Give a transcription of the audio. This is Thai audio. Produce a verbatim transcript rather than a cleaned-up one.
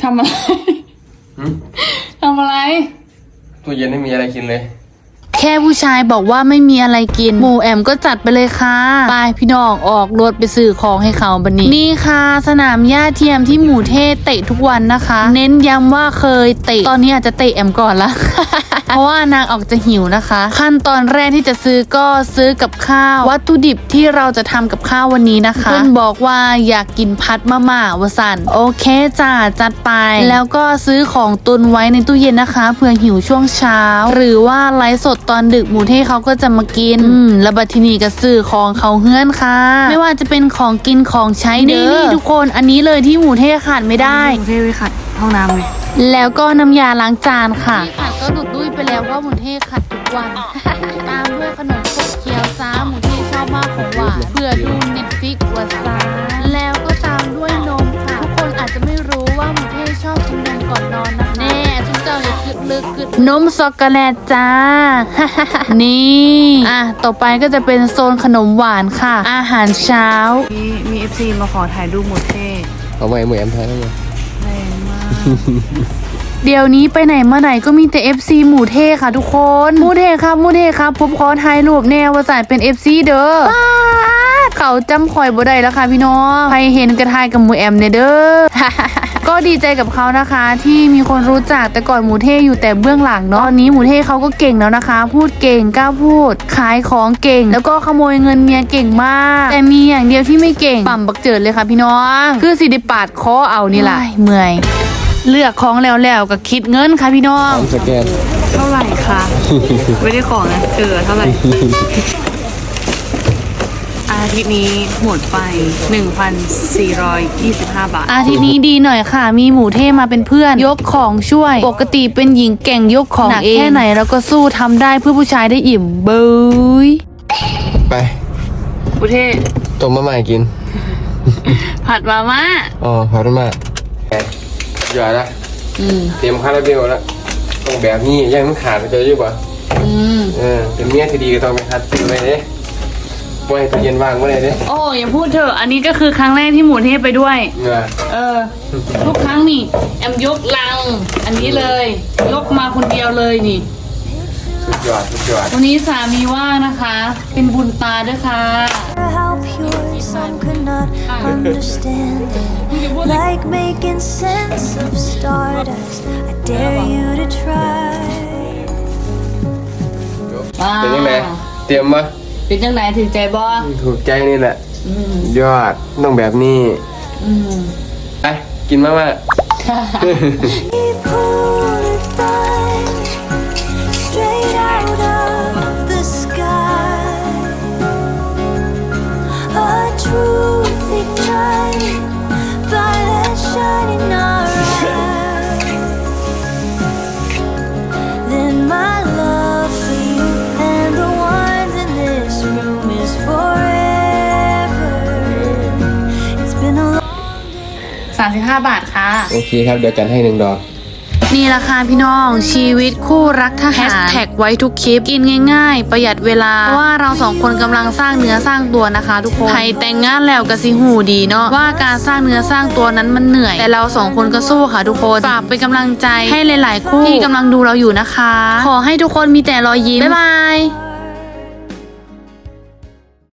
ทำอะไรทำอะไรตู้เย็นไม่มีอะไรกินเลยแค่ผู้ชายบอกว่าไม่มีอะไรกินหมู่แอมก็จัดไปเลยค่ะไปพี่น้องออกรถไปซื้อของให้เขาบันนี้นี่ค่ะสนามหญ้าเทียมที่หมู่เทเตะทุกวันนะคะ เน้นย้ำว่าเคยเตะตอนนี้อาจจะเตะแอมก่อนละ เพราะว่านางออกจะหิวนะคะขั้นตอนแรกที่จะซื้อก็ซื้อกับข้าววัตถุดิบที่เราจะทำกับข้าววันนี้นะคะเพื่อนบอกว่าอยากกินพัดมะม่าวสันโอเคจ้าจัดไปแล้วก็ซื้อของตุนไว้ในตู้เย็นนะคะเผื่อหิวช่วงเช้าหรือว่าไลฟ์สดตอนดึกหมูเทเขาก็จะมากินอืมแล้วบัดทีนี้ก็ซื้อของเขาเฮือนค่ะไม่ว่าจะเป็นของกินของใช้เด้อนี่ทุกคนอันนี้เลยที่หมูเทขาดไม่ได้หมูเทไปขัดห้องน้ำเลยแล้วก็น้ำยาล้างจานค่ะที่ขัดก็หลุดดุ้ยไปแล้วว่าหมูเทขัดทุกวัน ตามด้วยขนมขบเคี้ยวจ้าหมูเทชอบมากของหวานเพื่อดูเน็ตฟิกวัดซาแล้วก็ตามด้วยนมค่ะทุกคนอาจจะไม่รู้ว่าหมูเทชอบกินนมก่อนนอนนะคะแน่ทุกเจ้าอย่าคิดลึกคิดนมช็อกโกแลตจ้า นี่อ่ะต่อไปก็จะเป็นโซนขนมหวานค่ะอาหารเช้ามีมีเอฟซีมาขอถ่ายรูปหมูเทเอาไว้เหมือนแอมไทยได้ไหมแรงมากเดี๋ยวนี้ไปไหนมาไหนก็มีแต่ เอฟ ซี หมูเทค่ะทุกคนหมูเทครับหมูเทครับผมขอถ่ายรูปแนวว่าสายเป็น เอฟ ซี เด้อเขาจำคอยบ่ได้แล้วค่ะพี่น้องใครเห็นกระทายกับหมูแอมเนี่ยเด้อ ก็ดีใจกับเขานะคะที่มีคนรู้จักแต่ก่อนหมูเทอยู่แต่เบื้องหลังเนาะตอนนี้หมูเทเขาก็เก่งแล้วนะคะพูดเก่งกล้าพูดขายของเก่งแล้วก็ขโมยเงินเมียเก่งมากแต่มีอย่างเดียวที่ไม่เก่งปั่มบักเจิดเลยค่ะพี่น้องคือสิได้ปาดคอเอานี่แหละเมื่อยเลือกของแล้วแล้วก็คิดเงินค่ะพี่น้องสแกนเท่าไหร่คะไม่ได้ของนะเออเท่าไหร่อาทิตย์นี้หมดไป หนึ่งพันสี่ร้อยยี่สิบห้า บาทอาทิตย์นี้ดีหน่อยค่ะมีหมูเทมาเป็นเพื่อนยกของช่วยปกติเป็นหญิงแก่งยกของหนักแค่ไหนเราก็สู้ทำได้เพื่อผู้ชายได้อิ่มเบยไปหมูเทต้มมาใหม่กินผัดมาม่าอ๋อผัดมาม่าหยอดละเตรียมคาราเบลแล้วต้องแบบนี้ยังมันขาดไปเจออยู่ป่ะอืมเออเป็นเมียที่ดีก็ต้องไปคัดซื้อไปเด้ไว้ตู้เย็นวางไว้เลยเด้โอ้อย่าพูดเถอะอันนี้ก็คือครั้งแรกที่หมูเทไปด้วยเออทุกครั้งนี่แอมยกลังอันนี้เลยยกมาคนเดียวเลยนี่สุดยอดสุดยอดวันนี้สามีว่างนะคะเป็นบุญตาด้วยค่ะ Like making sense of stardust, I dare you to try. เป็นยังไงเตรียมมาเป็นยังไงถึงใจบ่ถูกใจนี่แหละยอดต้องแบบนี้ไปกินมาม่าสามสิบห้าบาทค่ะโอเคครับเดี๋ยวจัดให้หนึ่งดอกนี่ราคาพี่น้องชีวิตคู่รักทหารแฮชแท็กไว้ทุกคลิปกินง่ายๆประหยัดเวลาเพราะว่าเราสองคนกำลังสร้างเนื้อสร้างตัวนะคะทุกคนใครแต่งงานแล้วก็สิหูดีเนาะว่าการสร้างเนื้อสร้างตัวนั้นมันเหนื่อยแต่เราสองคนก็สู้ค่ะทุกคนฝากเป็นกำลังใจให้หลายๆคู่ที่กำลังดูเราอยู่นะคะขอให้ทุกคนมีแต่รอยยิ้มบ๊ายบาย